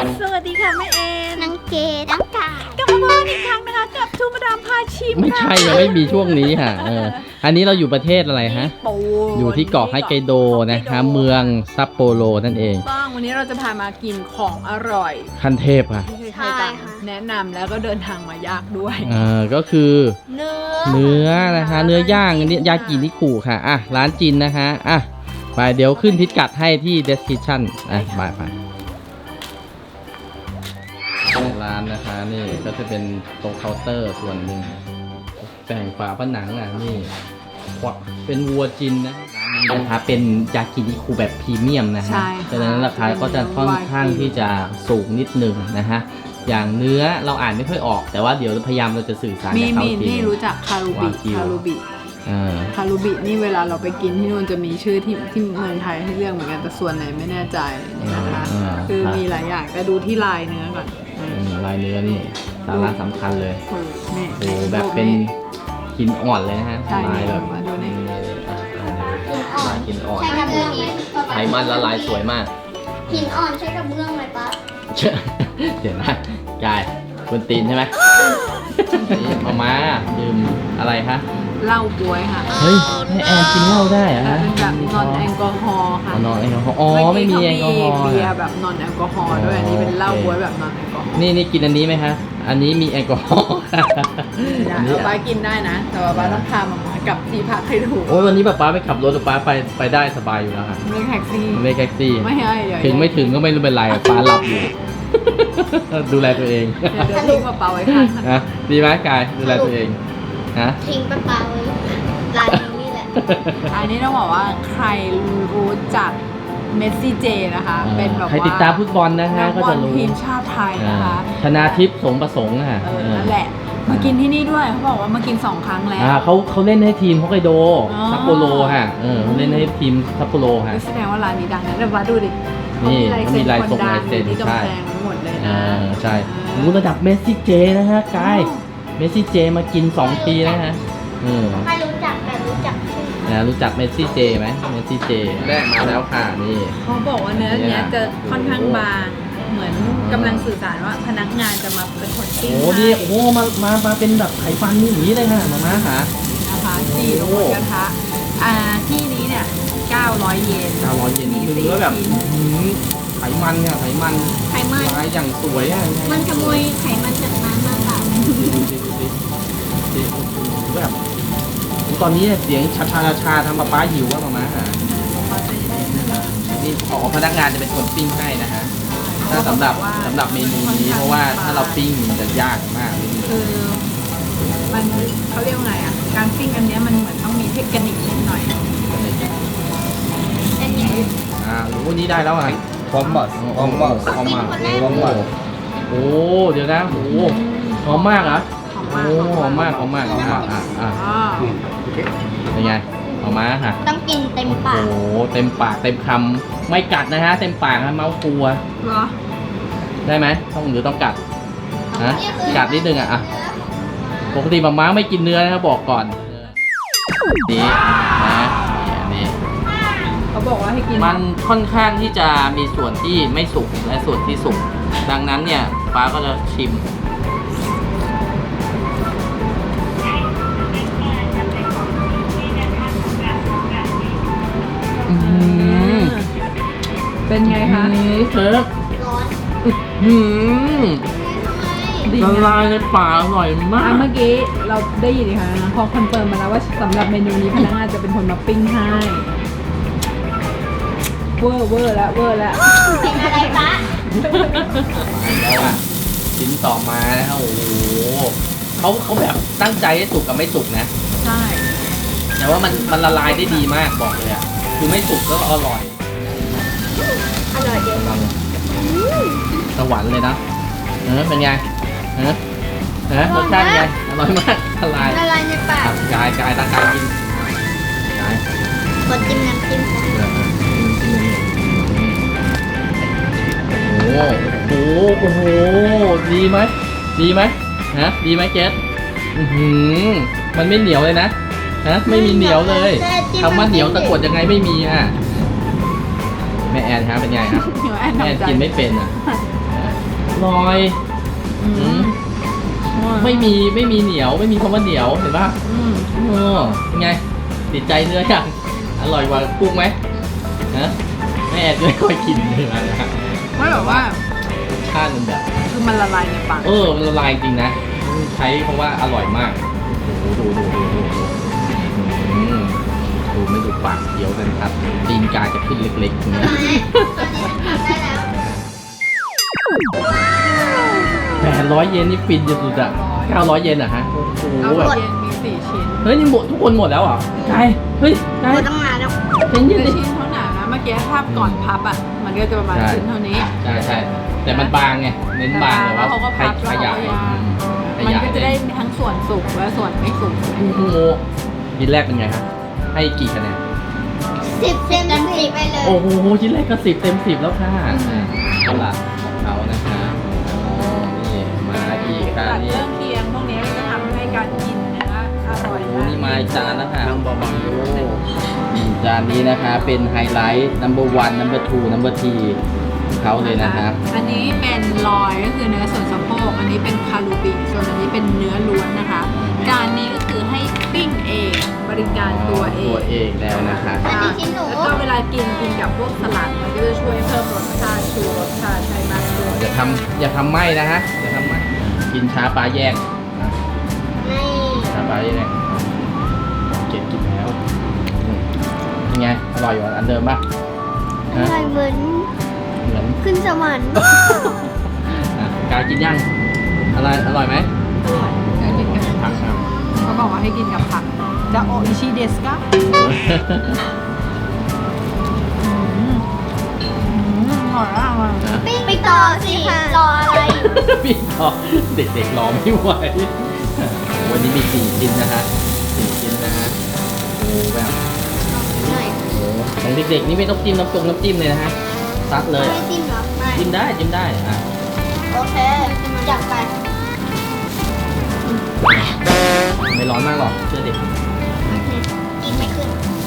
สวัสดีค่ะแม่เอ็นน้องเกดน้องกากลับมาพบกันอีกครั้งนะคะกับทูมาดามพาชิมไม่ใช่ยังไม่มีช่วงนี้ค่ะอันนี้เราอยู่ประเทศอะไรฮะญี่ปุ่นอยู่ที่เกาะไฮไกโดนะคะเมืองซัปโปโรนั่นเองต้องวันนี้เราจะพามากินของอร่อยขั้นเทพค่ะที่ใครๆต่างแนะนำแล้วก็เดินทางมายากด้วยก็คือเนื้เนื้อนะคะเนื้อย่างอันนี้ยากินิคุค่ะร้านจีนนะคะไปเดี๋ยวขึ้นพิกัดให้ที่ description ไปร้านนะคะนี่ก็จะเป็นตรงเคาน์เตอร์ส่วนหนึ่งแต่งฝาผนังนี่เป็นวัวจินนะร้านนี้นะคะเป็นยากินิคุแบบพรีเมียมนะฮะใช่ดังนั้นราคาก็จะค่อนข้างที่จะสูงนิดนึงนะฮะอย่างเนื้อเราอ่านไม่ค่อยออก แต่ว่าเดี๋ยวพยายามเราจะสื่อสารมีกับเขาทีนี่รู้จักคารูบิวากิวคารูบิ คารูบินี่เวลาเราไปกินที่นู่นจะมีชื่อที่เมืองไทยให้เลือกเหมือนกันแต่ส่วนไหนไม่แน่ใจนี่นะคะ คือมีหลายอย่างแต่ดูที่ลายเนื้อก่อนลายเนื้อนี่สาระสำคัญเลยนี่โอ้แบบเป็นหินอ่อนเลยนะฮะใช่ลายแบบมาดูนี่ลายหินอ่อนใช่กระเบื้องไหมไขมันละลายสวยมากหินอ่อนใช่กระเบื้องไหมป๊าเดี๋ยวนะกายคุณตีนใช่ไหมนี่มาดื่มอะไรคะเหล้าบวยค่ะเฮ้ยให้แอนกินเหล้าได้เหรอะแต่ฮะเป็นแบบนอนแอลกอฮอล์ค่ะนอนแอลกอฮอล์อ๋อไม่มีแอลกอฮอล์เบียร์แบบนอนแอลกอฮอล์ด้วยอันนี้เป็นเหล้าบวยแบบนอนแอลกอฮอล์นี่กินอันนี้ไหมคะอันนี้มีแอลกอฮอล์ได้ป้ากินได้นะ แต่ว่าป้าต้องพามาม่ากลับที่พักให้ถูกโอ้ยวันนี้ป๊าไปขับรถป๊าไปได้สบายอยู่แล้วค่ะไม่แท็กซี่ไม่แท็กซี่ไม่ให้เดี๋ยวถึงไม่ถึงก็ไม่รู้เป็นไรป๊าหลับอยู่ ดูแลตัวเองเดี๋ยวทิ้งกระเป๋าไว้ข้างถนนนะดีไหมกายดูแลตัวเองฮะทิ้งปลาไว้ร้านนี้นี่แหละอันนี้ต้องบอกว่าใครรู้จักเมสซี่เจนะคะ เป็นแบบว่าใครติดตามฟุตบอลนะฮะนักก็บอจะลรู้ทีมชาติไทยนะคะธนาทิพย์สงประสงค์ค่ะนั่นแหละ มากินที่นี่ด้วยเขาบอกว่ามากิน2 ครั้งแล้วเขาเล่นให้ทีมฮอกไกโดอ๋อซัปโปโรค่ะเขาเล่นให้ทีมซัปโปโรค่ะแสดงว่าร้านนี้ดังนะเดี๋ยวมาดูดินี่เขามีลายเซ็นเขามีลายคนดังเซ็นที่กำใช่แพงหมดเลยนะใช่รู้ระดับเมสซี่เจนะฮะกายเมสซี่เจมากิน2 ปีนะฮะไม่รู้จักแต่รู้จักชื่อรู้จักเมสซี่เจไหมเมสซี่เจแรกมาแล้วค่ะนี่เขาบอกว่าเนื้อเนี้ยจะค่อนข้างบางเหมือนกำลังสื่อสารว่าพนักงานจะมาเป็นคนปิ้งโอ้นี่โอ้มาเป็นแบบไขฟันนี่อย่างนี้เลยค่ะมาค่ะนะคะจีลงบนกระทะที่นี้เนี่ย900 เยน 900 เยนมีคือสี่เนื้อแบบชิ้นไขมันค่ะไขมันไขมันลายอย่างสวยอ่ะมันขโมยไขมันจากน้ำมาเปล่าดูแบบตอนนี้เสียงชาทำป้าหิวว่ามาค่ะนี่ขอพนักงานจะเป็นคนปิ้งให้นะฮะถ้าสำหรับเมนูนี้เพราะว่าถ้าเราปิ้งมันจะยากมากคือมันเขาเรียกว่าไงอ่ะการปิ้งอันเนี้ยมันเหมือนต้องมีเทคนิคนิดหน่อยอันนี้โอ้นี่ได้แล้วอ่ะพร้อมบัสพร้อมบัสหอมมากพร้อมบัสโอ้เดี๋ยวนะโอ้หอมมากเหรอหอมโอ้มากหอมมากเป็นไงหอมมากค่ะต้องกินเต็มปากโอ้เต็มปากเต็มคำไม่กัดนะฮะเต็มปากนะเมาส์ฟัวเหรอได้ไหมต้องกัดฮะกัดนิดนึงอ่ะปกติมาม่าไม่กินเนื้อนะครับบอกก่อนนี่นะนี่เขาบอกว่าให้กินมันค่อนข้างที่จะมีส่วนที่ไม่สุกและส่วนที่สุกดังนั้นเนี่ยป้าก็จะชิมเป็นไงคะเคิร์ฟร้อนดีละนะลายในปากอร่อยมาเมื่อกี้เราได้ยินอีกครั้งนะพอคอนเฟิร์มมาแล้วว่าสำหรับเมนูนี้พนักงานจะเป็นคนมาปิ้งให้เวอร์แล้วเป็นอะไรปะแล้วอ่ะชิ้นต่อมานะครับโอ้โหเขาแบบตั้งใจให้สุกกับไม่สุกนะใช่แต่ว่ามันละลายได้ดีมากบอกเลยอ่ะคือไม่สุกก็อร่อยอร่อยเดียวสวรรค์เลยนะเป็นไงรสชาติเป็นไงอร่อยมากละลายละลายในปากกายตั้งกายกินกายคนจิ้มน้ำจิ้มโอ้โหดีไหมดีไหมเจสมันไม่เหนียวเลยนะไม่มีเหนียวเลยคำว่าเหนียวตะกดยังไงไม่มีอ่ะแม่แอนครับเป็นไงครับเดี๋ยวแอนแม่แอนทำใจกินไม่เป็นอ่ะร่อยไม่มีเหนียวไม่มีคำว่าเหนียวเห็นป่ะเป็นไงติดใจเนื้ออย่างอร่อยกว่ากุ้งไหมนะแม่ไม่ค่อยกินเนื้อนะไม่แบบว่าชาติมันแบบคือมันละลายในปากมันละลายจริงนะใช้คำว่าอร่อยมากโอ้โหดูไม่ดูปากเคี้ยวกันครับตีนกาจะขึ้นเล็กๆอย่างเงี้ยได้แล้ว 800 เยนนี่ฟินสุดๆอ่ะ900 เยนอ่ะฮะโอ้โหเอาแบบเย็นมี4 ชิ้นเฮ้ยนี่หมดทุกคนหมดแล้วเหรอ่ะกายเฮ้ยกายหมดตั้งนานแล้วเย็นคือๆดิชิ้นเท่าหนานะเมื่อกี้ภาพก่อนพับอ่ะมันก็จะประมาณชิ้นเท่านี้ใช่แต่มันบางไงเน้นบางแต่ว่าเขาก็พับขยายแล้วมันก็จะได้ทั้งส่วนสุกและส่วนไม่สุกโอ้โหชิ้นแรกเป็นไงครับให้กี่คะแนน 10 เต็ม10ไปเลยโอ้โหชิ้นแรกก็10 เต็ม 10แล้วค่ะตลาดของเขานะคะนี่มาอีกค่ะตัดนี่เรื่องเคียงพวกนี้จะทำให้การกินเนื้ออร่อยโอ้นี่มาอีกจานแล้วค่ะนั่งเบาๆอยู่จานนี้นะคะเป็นไฮไลท์ number 1 number 2 number 3ของเขาเลยนะครับอันนี้เป็นลอยก็คือเนื้อส่วนสะโพกอันนี้เป็นคารูบิส่วนอันนี้เป็นเนื้อล้วนนะคะจานนี้ก็คือให้ปิ้งเองบริการตัวเองตัวเองแล้วนะคะอันนี้ชิ้นหนูแล้วก็เวลากินกับพวกสลัดมันก็จะช่วยเพิ่มรสชาติชูรสชาติให้มากขึ้นอย่าทำไหมนะฮะอย่าทำไหมกินช้าปลาแยกนี่ช้าปลาแยกเก็บกินแล้วยังไงอร่อยกว่าอันเดิมปะอร่อยเหมือนเหมือนขึ้นสวรรค์กายกินยังอะไรอร่อยไหมให้กินกับผักครับเขาบอกว่าให้กินกับผักจะโออิชิเดสกะอร่อยมากเลยนะปิ้งไปต่อสิรออะไรพี่ต่อเด็กๆรอไม่ไหววันนี้มี4 ชิ้นนะฮะ4 ชิ้นนะฮะโอ้แบบหน่อยโอ้ของเด็กๆนี่ไม่ต้องจิ้มน้ำจิ้มเลยนะฮะซัดเลยไม่อ่ะจิ้มเหรอไม่จิ้มได้อ่ะโอเคจัดไปไม่ร้อนมากหรอกเชื่อเด็กกินไม่ขึ้น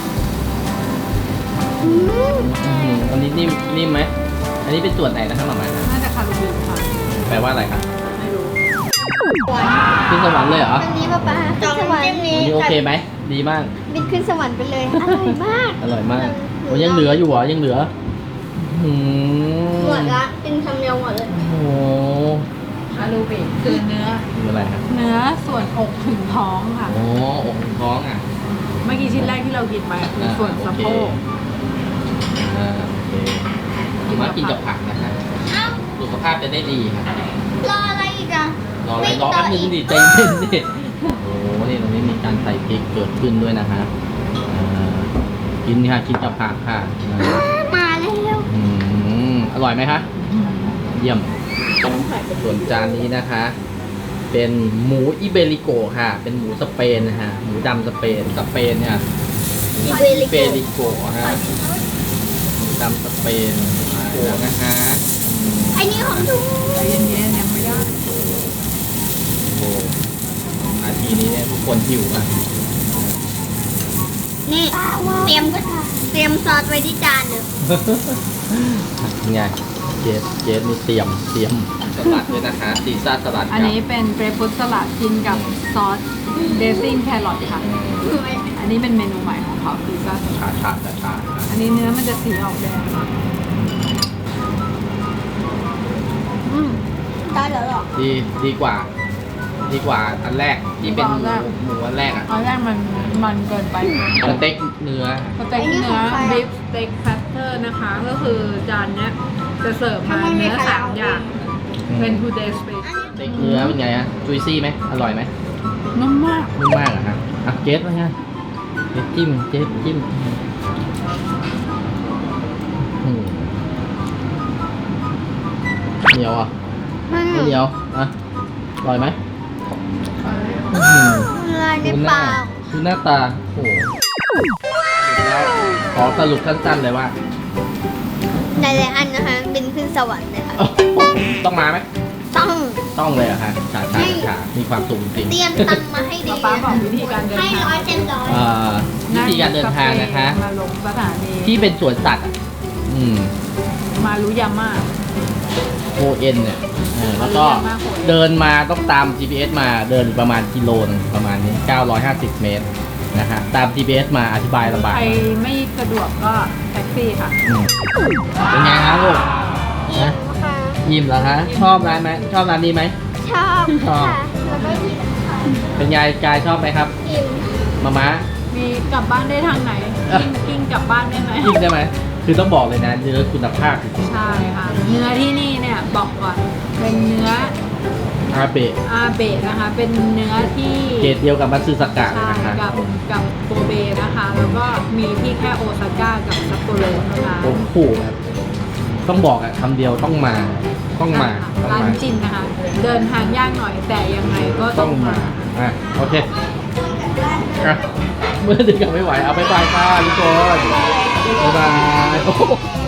อันนี้นิ่มไหมอันนี้เป็นส่วนไหนนะครับหมาม่าน่าจะคารูบิค่ะแปลว่าอะไรครับไม่รู้ขึ้นสวรรค์เลยเหรอวันนี้ป๊าขึ้นสวรรค์อันนี้โอเคไหมดีมากบินขึ้นสวรรค์ไปเลย อร่อยมากอร่อยมากโอ้ยังเหลืออยู่เหรอยังเหลือหืมหมดละกินคำเดียวหมดเลยโอ้โหคารูบิคือเนื้อคืออะไรครับเนื้อส่วนอกถึงท้องค่ะโอ้อกท้องอ่ะเมื่อกี้ชิ้นแรกที่เรากินไปคือส่วนสะโพกโอเคมากินกับผักนะคะเอ้าสุขภาพจะได้ดีครับรออะไรอีกอะรออะไรรอแป๊บนึงดิใจเย็นดิโอ้โหนี่ตรงนี้มีการใส่พริกเกิดขึ้นด้วยนะคะกินค่ะกินกับผักค่ะมาแล้วอร่อยไหมคะเยี่ยมส่วนจานนี้นะคะ เป็นหมูอิเบริโกค่ะ เป็นหมูสเปนนะฮะหมูดำสเปนเนี่ยอิเบริโกเบริโกฮะหมูดำสเปนมาแล้วนะคะไอ้นี่ของถูกใจเย็นๆยังไม่ได้โอ้นาทีนี้เนี่ยทุกคนหิวอ่ะนี่เตรียมซอสไว้ที่จานเลยยังไงเจสนี่เตรียมสลัดด้วยนะคะซีซ่าสลัดอันนี้เป็นเกรปฟรุตสลัดกินกับซอสเดซิ่งแครอทค่ะ อันนี้เป็นเมนูใหม่ของเขาคือซอสชาอันนี้เนื้อมันจะสีออกแดงได้แล้วหรอดีกว่าอันแรกที่เป็นหมูอันแรกอ่ะตอนแรกมันเกินไปสเต็กเนื้อสเต็กเนื้อบิฟสเต็กแพตเตอร์นะคะ ก็คือจานเนี้ยจะเสิร์ฟมาเนื้อ3 อย่างเป็น two day special สเต็กเนื้อเป็นไงฮะจุยซี่ไหมอร่อยไหมนุ่มมากนุ่มมากเหรอฮะอ่ะเจสว่าไงเจสจิ้มเหนียวอ่ะไม่เหนียวอ่ะอร่อยไหมลายในปากดูหน้าตาโอ้โหแล้วขอสรุปสั้นๆเลยว่าหลายๆอันนะคะบินขึ้นสวรรค์เลยค่ะต้องมาไหมต้องเลยเหรอะฮะฉามีความสุขจริงเตรียมตังค์มาให้ดีป๊าบอกวิธีการเดินให้ทาง 100 เต็มร้อยวิธีการเดินทางนะคะมาลงสถานีที่เป็นสวนสัตว์อ่ะมารุยาม่าโคเอ็นเนี่ยแล้วก็เดินมาต้องตาม GPS มาเดินประมาณกิโลนึงประมาณนี้ 950 เมตรนะฮะตาม GPS มาอธิบายลำบากใครไม่สะดวกก็แท็กซี่ค่ะเป็นไงครับลูกอิ่นะมค่ะยิ้มเหรอคะชอบร้านไหมชอบร้านนี้ไหมชอบชอบค่ะแล้วก็อิ่มค่ะเป็นไงกายชอบไหมครับอิ่มมาม้ามีกลับบ้านได้ทางไหนกิ้งกลับบ้านได้ไหมยิ่งได้ไหมคือต้องบอกเลยนะเนื้อคุณภาพใช่ค่ะ เนื้อที่นี่เนี่ยบอกก่อนเป็นเนื้ออาเบะอาเบะนะคะ เป็นเนื้อที่เกรดเดียวกับมัตสึสกะใช่นะคะกับโกเบนะคะ แล้วก็มีที่แค่โอซาก้ากับซัปโปโรเท่านั้นโอ้โหแบบต้องบอกอะคำเดียวต้องมาต้องมาร้านจินนะคะ เดินทางยากหน่อยแต่ยังไงก็ต้ต้อองงมามาอ่ะโอเคอ่ะเมื่อดึกกันไม่ไหวเอาไปบายค่ะทุกคนบ๊ายบายโอ้โห